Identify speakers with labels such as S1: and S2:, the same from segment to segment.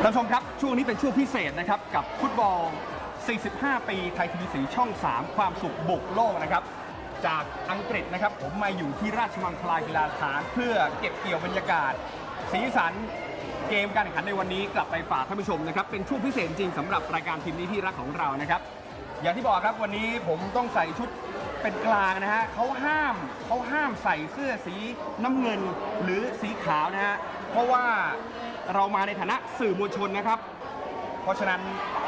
S1: ท่านผู้ชมครับช่วงนี้เป็นช่วงพิเศษนะครับกับฟุตบอล 45 ปีไทยทีวีสีช่อง 3 ความสุขบุกโลกนะครับจากอังกฤษนะครับผมมาอยู่ที่ราชมังคลากีฬาสถานเพื่อเก็บเกี่ยวบรรยากาศสีสันเกมการแข่งขันในวันนี้กลับไปฝากท่านผู้ชมนะครับเป็นช่วงพิเศษจริงสำหรับรายการทีมนี้ที่รักของเรานะครับอย่างที่บอกครับวันนี้ผมต้องใส่ชุดเป็นกลางนะฮะเขาห้ามใส่เสื้อสีน้ำเงินหรือสีขาวนะฮะเพราะว่าเรามาในฐานะสื่อมวลชนนะครับเพราะฉะนั้น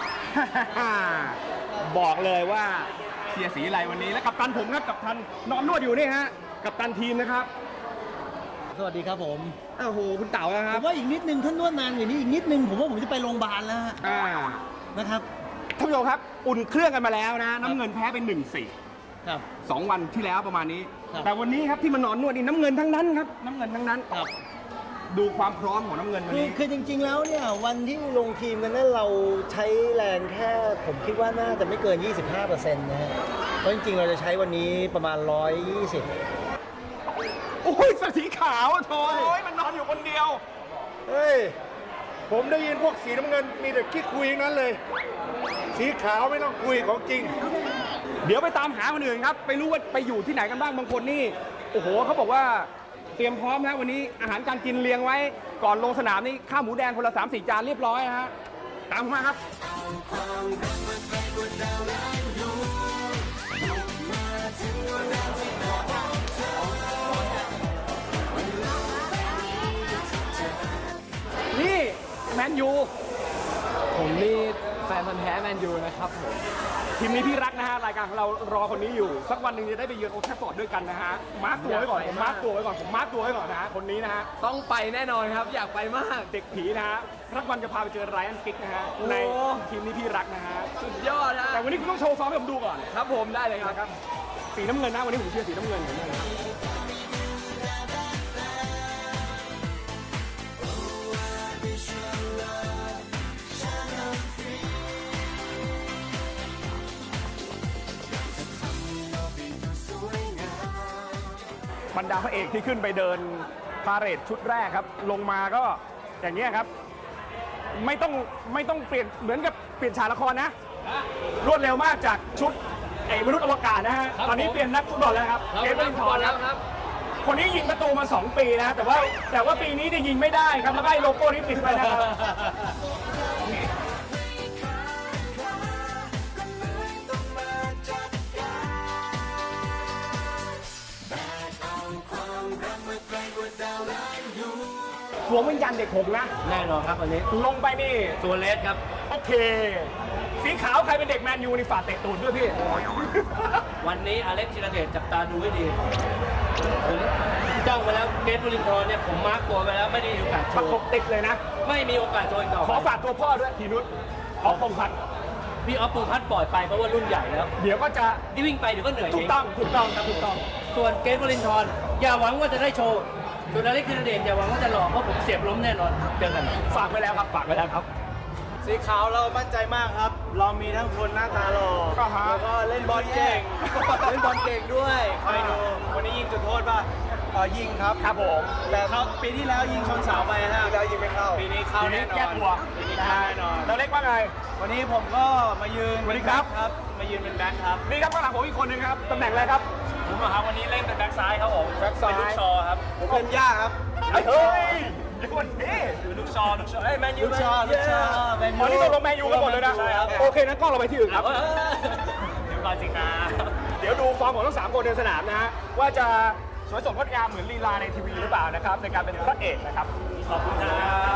S1: บอกเลยว่าเชียร์สีอะไรวันนี้และกัปตันผมครับกัปตันนอนนวดอยู่นี่ฮะกัปตันทีมนะครับ
S2: สวัสดีครับผม
S1: โอ้โหคุณเต๋านะครั
S2: บผมว่าอีกนิดนึงท่านนวดนานอย่างนี้อีกนิดนึงผมว่าผมจะไปโรงพยาบาลแล้วนะครับ
S1: ท่านผู้ชมครับอุ่นเครื่องกันมาแล้วนะน้ำเงินแพ้เป็น1-4
S2: ครับ
S1: 2 วันที่แล้วประมาณนี้แต่วันนี้ครับที่มานอนนวดนี่น้ำเงินทั้งนั้นครับน้ำเงินทั้งนั้น
S2: ครับ
S1: ดูความพร้อมของน้ำเงินวันนี้
S2: คือจริงๆแล้วเนี่ยวันที่ลงทีมกันนั้นเราใช้แรงแค่ผมคิดว่าน่าจะไม่เกิน 25%นะฮะเพราะจริงๆเราจะใช้วันนี้ประมาณ120
S1: โอ้ยสีขาวโถ่มันนอนอยู่คนเดียว
S3: เฮ้ยผมได้ยินพวกสีน้ำเงินมีแต่ขี้คุยทั้งนั้นเลยสีขาวไม่ต้องคุยของจริง
S1: เดี๋ยวไปตามหาคนอื่นครับไปรู้ว่าไปอยู่ที่ไหนกันบ้างบางคนนี่โอ้โหเขาบอกว่าเตรียมพร้อมนะวันนี้อาหารการกินเรียงไว้ก่อนลงสนามนี่ข้าวหมูแดงคนละ 3-4 จานเรียบร้อยนะฮะตามผมมาครับนี่แมนยู
S4: ผมนี่แฟนพันธุ์แท้แมนยูนะครับผม
S1: ทีมนี้พี่รักนะฮะรายการของเรารอคนนี้อยู่สักวันหนึ่งจะได้ไปเยือนโอลด์แทรฟฟอร์ดด้วยกันนะฮะมาร์คตัวไว้ก่อนผมมาร์คตัวไว้ก่อนนะฮะคนนี้นะฮะ
S4: ต้องไปแน่นอนครับอยากไปมาก
S1: เด็กผีนะฮะรักวันจะพาไปเจอไรอันกิกนะฮะในทีมนี้พี่รักนะฮะ
S4: สุดยอดนะ
S1: แต่วันนี้คุณต้องโชว์ซ้อมให้ผมดูก่อน
S4: ครับผมได้เลยครับ
S1: สีน้ำเงินนะวันนี้ผมเชียร์สีน้ำเงินเหมือนกันนะครับบรรดาพระเอกที่ขึ้นไปเดินพาเหรดชุดแรกครับลงมาก็อย่างเงี้ยครับไม่ต้องเปลี่ยนเหมือนกับเปลี่ยนฉากละครนะรวดเร็วมากจากชุดมนุษย์อวกาศนะฮะตอนนี้เปลี่ยนนักฟุตบอลแล้วครับเกมเบลินทอนครับคนนี้ยิงประตูมา2 ปีนะแต่ว่าปีนี้จะยิงไม่ได้ครับแล้วก็โลโก้นี้ติดไปนะครับสวมวิญญาณเด็กหงนะ
S4: แน่นอนครับวันนี้
S1: ลงไปนี่
S4: ตัวเลสครับ
S1: โอเคสีขาวใครเป็นเด็กแมนยูนี่ฝากเตะตูดด้วยพี่
S4: วันนี้อเล็กซ์ธีรเดชจับตาดูให้ดีผมจ้องไปแล้วเกตบุรินทร์เนี่ยผมมาร์กตัวไปแล้วไม่ได้มีโอกาสโชว์
S1: ประกบติดเลยนะ
S4: ไม่มีโอกาสโชว์ต่อ
S1: ขอฝากตัวพ่อด้วยทีนุชออฟพงษ์พัฒน์
S4: พี่ออฟพงษ์พัฒน์ปล่อยไปเพราะว่ารุ่นใหญ่แล้ว
S1: เดี๋ยวก็จะ
S4: วิ่งไปเดี๋ยวก็เหนื่อย
S1: ถูกต้องครับถูกต้อง
S4: ส่วนเกตบุรินทร์อย่าหวังว่าจะได้โชว์ส่วนอเล็กซ์ธีรเดชอย่าหวังว่าจะหลอกเพราะผมเสียบล้มแน่นอนเจอกัน
S1: ฝากไว้แล้วครับ
S2: สีขาวเรามั่นใจมากครับเรามีทั้งคนหน้าตาหล่อแล้วก็เล่นบอลเก่งด้วยคอยดูวันนี้ยิงจุดโทษป่ะยิง
S1: ครับผม
S2: แต่เขาปีที่แล้วยิงชนเสาไปฮะปีแล้วยิงไม่เข้าปีนี้เข้าแน่นอน
S1: ปีนี้เข้าแน่นอนเราเล็กว่าไง
S2: วันนี้ผมก็มายืน
S1: สวัสดีครับ
S2: มายืนเป็นแบ็คครับ
S1: นี่ครับข้างหลังผมอีกคนนึงครับตำแหน่งอะไรครับ
S4: ผมครับวันนี้เล่นเป็นแบ็คซ้ายครับผม
S1: แบ็คซ้าย
S4: ลูกชอครับ
S2: ผมเป็นย่าครับ
S1: เฮ้ยวันนี้
S4: ลูกชอแมนยู
S2: ลูกชอ
S1: วันนี้ตกลงแมนยูกันหมดเลยนะโอเคนั้นกล้องเราไปที่อื่นครับ
S4: เดี๋ยวก่อนสิครับ
S1: เดี๋ยวดูฟอร์มของทั้ง3 คนในสนามนะฮะว่าจะสวยสดงดงามเหมือนลีลาในทีวีหรือเปล่านะครับในการเป็นพระเอกนะครับ
S4: ขอบคุณครับ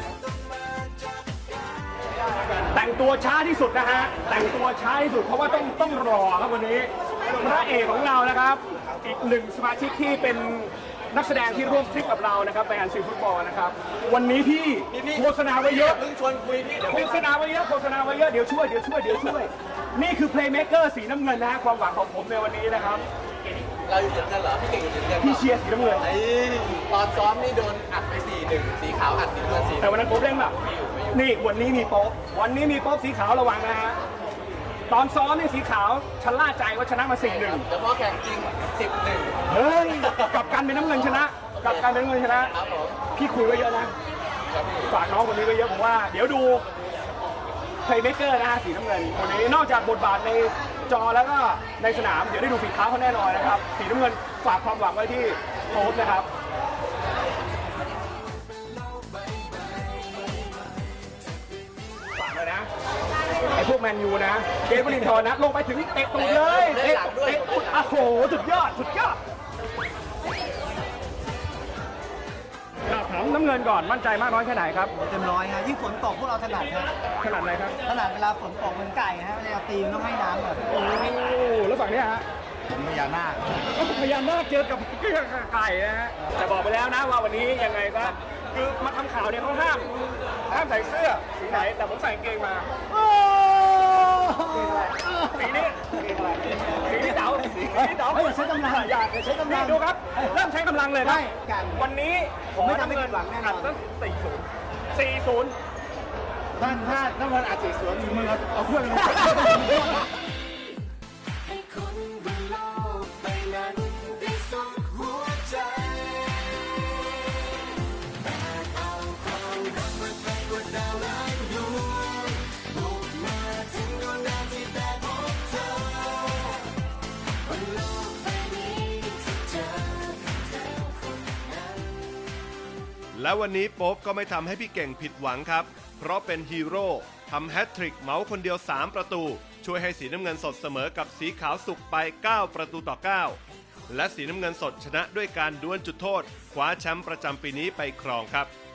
S1: แต่งตัวช้าที่สุดนะฮะแต่งตัวช้าที่สุดเพราะว่าต้องรอครับวันนี้พระเอกของเรานะครับอีก1 สมาชิกที่เป็นนักแสดงที่ร่วมทริปกับเรานะครับในงานซีฟุตบอลนะครับวันนี้พี่โฆษณาไว้เยอะ
S2: ชวนคุยพี่
S1: โฆษณาไว้เยอะเดี๋ยวช่วยนี่คือเพลย์เมคเกอร์สีน้ำเงินนะฮะความหวังของผมในวันนี้นะครับ
S2: เราอยู่สีน้ำเงินเหรอพี่เก่งอยู่สีน้ำเงิน
S1: พี่เชียร์สีน้ำเงิน
S2: ตอนซ้อมนี่โดนอัดไป4-1สีขาวอัดสีน้ำเงิน
S1: แต่วันนั้นโป๊ปเล่นแบบนี่วันนี้มีโป๊ปสีขาวระวังนะฮะตอนซ้อมนี่สีขาวฉันล่าใจว่าชนะมา4-1
S2: แต่พอแข่งจริง10-1
S1: เฮ้ยกับการเป็นน้ำเงินชนะพี่คุยไว้เยอะนะฝากน้องคนนี้ไว้เยอะผมว่าเดี๋ยวดูเพลย์เมคเกอร์นะฮะสีน้ำเงินคนนี้นอกจากบทบาทในจอแล้วก็ในสนามเดี๋ยวได้ดูฝีเท้าเขาแน่นอนนะครับสีน้ำเงินฝากความหวังไว้ที่โค้ชนะครับฝากเลยนะไอ้พวกแมนยูนะเกมบรินทร์นะลงไปถึงเตะตูดเลยเตะตูดโอ้โหสุดยอดสุดยอดถามน้ำเงินก่อนมั่นใจมากน้อยแค่ไหนครับ
S2: เต็มร้อยฮะยิ่งฝนตกพวกเราถนัดครับ
S1: ขนาดไหนครับ
S2: ถนัดเวลาฝนตกเหมือนไก่ฮะเวลาตีมันต้องให้น้ำแบบ
S1: โอ้แล้วฝั่งเนี้ยฮะ
S2: ผมพญานาค
S1: พยายามมากเจอกับไก่นะฮะแต่บอกไปแล้วนะว่าวันนี้ยังไงก็คือมาทำข่าวเนี่ยเขาห้ามใส่เสื้อสีไหนแต่ผมใส่กางเกงมาสีนี้สีนี้เต๋าสีนี้เต๋า
S2: ใช้กำลังอยากใช้กำลั
S1: นี่
S2: ง
S1: ดูครับเริ่มใช้กำลังเลยครับ
S2: ใช่กัน
S1: วันนี้
S2: ผมไม่ทำให้ผิดหวังแน่นอน
S1: ตั้ง40
S2: ถ้าน้ำมันอาจสีสวนมือเอาเครื่องลง
S5: ให้คนบนโลกใบนั้นได้สุขหัวใจแต่เอาความรักมาไกลกว่าดาวล้านดวงบุกมาถึงดวงดาวที่ได้พบเธอบนโลกใบนี้ที่เจอกับเธอคนนั้น
S6: และวันนี้โป๊ปก็ไม่ทำให้พี่เก่งผิดหวังครับ เพราะเป็นฮีโร่ทำแฮตทริกเหมาคนเดียว 3 ประตู ช่วยให้สีน้ำเงินสดเสมอกับสีขาวสุกไป 9 ประตูต่อ 9 และสีน้ำเงินสดชนะด้วยการดวลจุดโทษคว้าแชมป์ประจำปีนี้ไปครองครับ